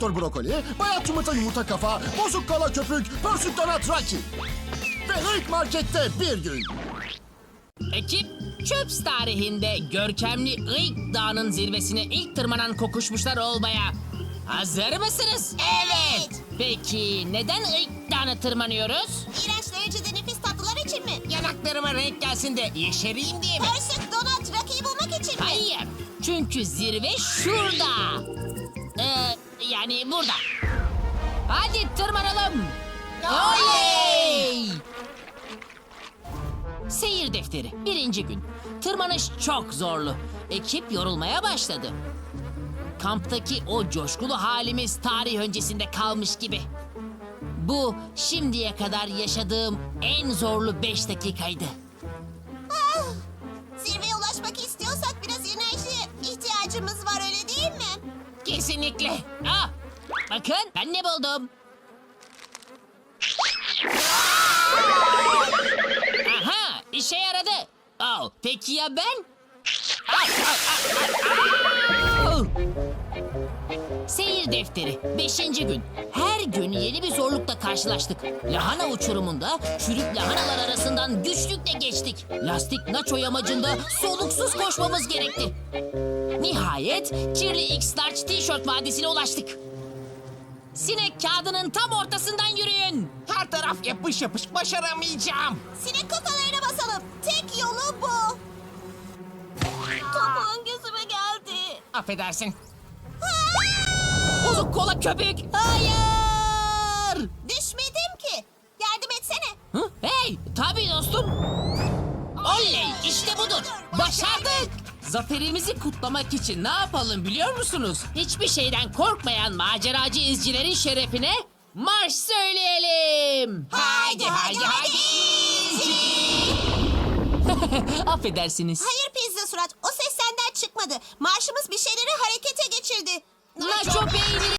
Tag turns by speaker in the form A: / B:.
A: Doktor Brokoli, Bayat Yumurta Yumurta Kafa, Bozuk Kala Köpük, Pörsük Donat Rocky. Ve ilk markette bir gün.
B: Ekip, Çöps tarihinde görkemli Iyık Dağı'nın zirvesine ilk tırmanan kokuşmuşlar olmaya hazır mısınız?
C: Evet.
B: Peki neden Iyık Dağı'na tırmanıyoruz?
C: İğrenç derecede nefis tatlılar için mi?
B: Yanaklarıma renk gelsin de yeşereyim diye mi?
C: Pörsük Donat Rocky'yi bulmak için mi?
B: Hayır, çünkü zirve şurada. Yani burada. Hadi tırmanalım. Oley! Seyir defteri, 1. gün. Tırmanış çok zorlu. Ekip yorulmaya başladı. Kamptaki o coşkulu halimiz tarih öncesinde kalmış gibi. Bu şimdiye kadar yaşadığım en zorlu 5 dakikaydı.
C: Zirveye ulaşmak istiyorsak biraz enerjiye ihtiyacımız var, öyle değil mi?
B: Kesinlikle. Ah, bakın ben ne buldum. Aha, işe yaradı. Oh, peki ya ben? Au! Seyir defteri, 5. gün. Her gün yeni bir zorlukla karşılaştık. Lahana uçurumunda çürük lahanalar arasından güçlükle geçtik. Lastik naço yamacında soluksuz koşmamız gerekti. Nihayet kirli X-Large T-shirt vadisine ulaştık. Sinek kağıdının tam ortasından yürüyün.
D: Her taraf yapış yapış, başaramayacağım.
C: Sinek kafalarına basalım. Tek yolu bu. Topuğun gözüme geldi.
D: Affedersin.
B: Bozuk kola köpük. Hayır.
C: Düşmedim ki. Yardım etsene.
B: Hı? Hey, tabii dostum. Oley, işte budur. Başardık. Zaferimizi kutlamak için ne yapalım biliyor musunuz? Hiçbir şeyden korkmayan maceracı izcilerin şerefine marş söyleyelim.
C: Haydi haydi haydi.
B: Affedersiniz.
C: Hayır pizza surat. O ses senden çıkmadı. Marşımız bir şeyleri harekete geçirdi.
B: Nacho peyniri